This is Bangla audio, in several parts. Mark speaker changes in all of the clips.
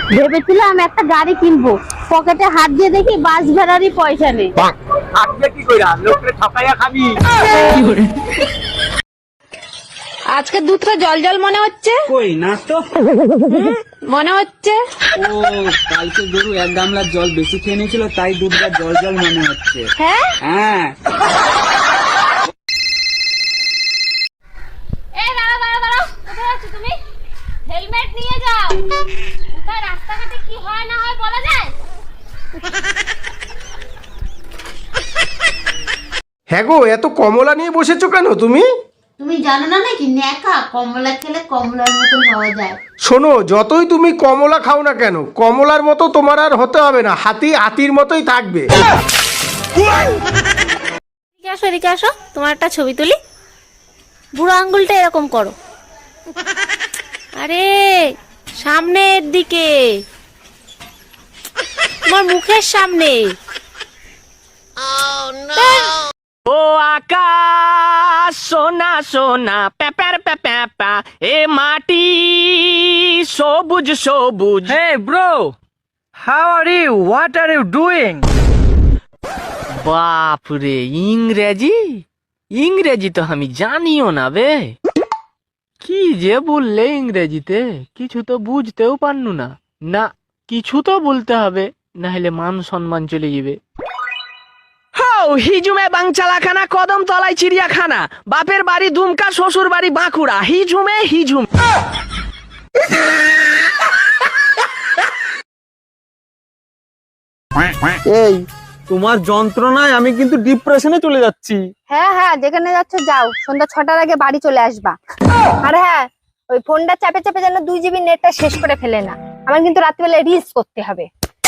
Speaker 1: ভেবেছিলাম একটা গাড়ি কিনবো, পকেটে হাত দিয়ে দেখি বাস ভাড়ারই পয়সা নেই।
Speaker 2: আজকে কি কইরা লোকরে ঠকাইয়া খাবি?
Speaker 1: আজকে দুধটা জল জল মনে হচ্ছে।
Speaker 2: কই না তো।
Speaker 1: মনে হচ্ছে
Speaker 2: ও কালকে গরু 1 গামলা জল বেশি খেয়ে নিয়েছিল, তাই দুধটা জল জল মনে হচ্ছে।
Speaker 1: হ্যাঁ
Speaker 2: হ্যাঁ
Speaker 1: এই দাঁড়াও দাঁড়াও দাঁড়াও, কোথায় আছো তুমি? হেলমেট নিয়ে যাও। কোথায় রাস্তাঘাটে কি হয় না হয় বলা যায়?
Speaker 3: হ্যাঁ গো, এত কমলা নিয়ে বসেছো কেন তুমি?
Speaker 4: তুমি জানো না নাকি ন্যাকা কমলা খেলে কমলার মতন হওয়া যায়।
Speaker 3: শোনো, যতই তুমি কমলা খাও না কেন, কমলার মতো তোমার আর হতে হবে না, হাতি হাতির মতোই থাকবে।
Speaker 1: এদিকে আসো, এদিকে আসো, তোমার একটা ছবি তুলি। বুড়ো আঙ্গুলটা এরকম করো। আরে সামনের দিকে, তোমার মুখের সামনে।
Speaker 5: ও আকাশ সোনা সোনা প্যাপার প্যাপা, এ মাটি সবুজ সবুজ।
Speaker 2: Hey bro, how are you? What are you doing?
Speaker 5: বাপরে, ইংরেজি ইংরেজি তো আমি জানিও না বে। কি যে বললে ইংরেজিতে, কিছু তো বুঝতেও পারনু না। না, কিছু তো বলতে হবে, না হলে মান সম্মান চলে যাবে। হিজুমে বাংচালাখানা, কদম তলায় চিড়িয়াখানা, বাপের বাড়ি দুমকা, শ্বশুর বাড়ি বাঁকুড়া, হিজুমে হিজুম।
Speaker 2: এই তোমার যন্ত্রণায় আমি কিন্তু ডিপ্রেশনে চলে যাচ্ছি।
Speaker 6: হ্যাঁ হ্যাঁ, যেখানে যাচ্ছ যাও, সন্ধ্যা 6টার আগে বাড়ি চলে আসবা। আর হ্যাঁ, ওই ফোনটা চাপে চাপে যেন 2 জিবি নেটটা শেষ করে ফেলে না, আমার কিন্তু রাত্রিবেলা রিলস করতে হবে।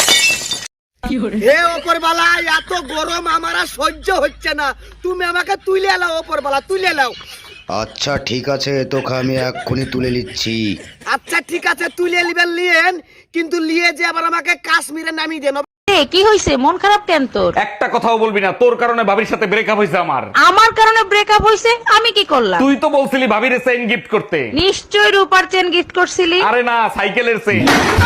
Speaker 7: হে ওপরবালা, এত গরম আমার আর সহ্য হচ্ছে না, তুমি আমাকে তুলে এলাও ওপরবালা, তুলে এলাও।
Speaker 8: আচ্ছা ঠিক আছে, তোকে আমি এক্ষুনি তুলে নিচ্ছি।
Speaker 7: আচ্ছা ঠিক আছে, তুলে নিবেন লিয়েন, কিন্তু লিয়ে যে আবার আমাকে কাশ্মীরে নামিয়ে দেন।
Speaker 1: কি হইছে? মন খারাপ কেন তোর?
Speaker 9: একটা কথাও বলবি না, তোর কারণে ভাবির সাথে ব্রেকআপ হয়েছে আমার।
Speaker 1: আমার কারণে ব্রেকআপ হইছে? আমি কি করলাম?
Speaker 9: তুই তো বলছিলি ভাবির চেইন গিফট করতে।
Speaker 1: নিশ্চয় রূপার চেন গিফট করছিলি।
Speaker 9: আরে না, সাইকেলের চেইন।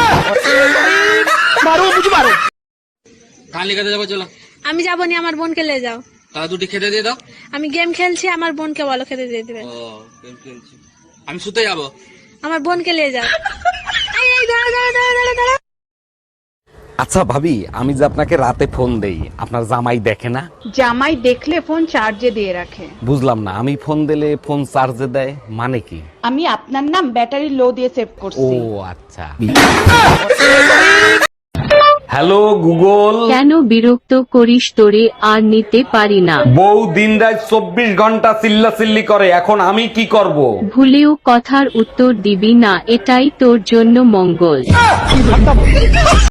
Speaker 2: কান লিখাতে যাবো, চলো।
Speaker 10: আমি যাবো নি, আমার বোনকে নিয়ে যাও।
Speaker 2: তাহলে 2টি খেতে দিয়ে দাও।
Speaker 10: আমি গেম খেলছি, আমার বোনকে বলো খেতে দিয়ে দিবে।
Speaker 2: ও গেম খেলছি, আমি শুতে যাবো।
Speaker 10: আমার বোনকে নিয়ে যাও। এই এই দাঁড়া দাঁড়া দাঁড়া দাঁড়া দাঁড়া।
Speaker 9: আচ্ছা ভাবি, আমি যে আপনাকে রাতে ফোন দেই, আপনার জামাই দেখে না?
Speaker 11: জামাই দেখলে ফোন চার্জে দিয়ে রাখে।
Speaker 9: বুঝলাম না, আমি ফোন দিলে ফোন চার্জে দেয় মানে কি?
Speaker 11: আমি আপনার নাম ব্যাটারি লো দিয়ে সেভ
Speaker 9: ও
Speaker 11: করছি।
Speaker 9: আচ্ছা। Hello Google.
Speaker 12: কেন বিরক্ত করিস? তোরে আর নিতে পারি না।
Speaker 9: বউ দিনরাত 24 ঘন্টা চিল্লাচিল্লি করে, এখন আমি কি করব?
Speaker 12: ভুলেও কথার উত্তর দিবি না, এটাই তোর জন্য মঙ্গল।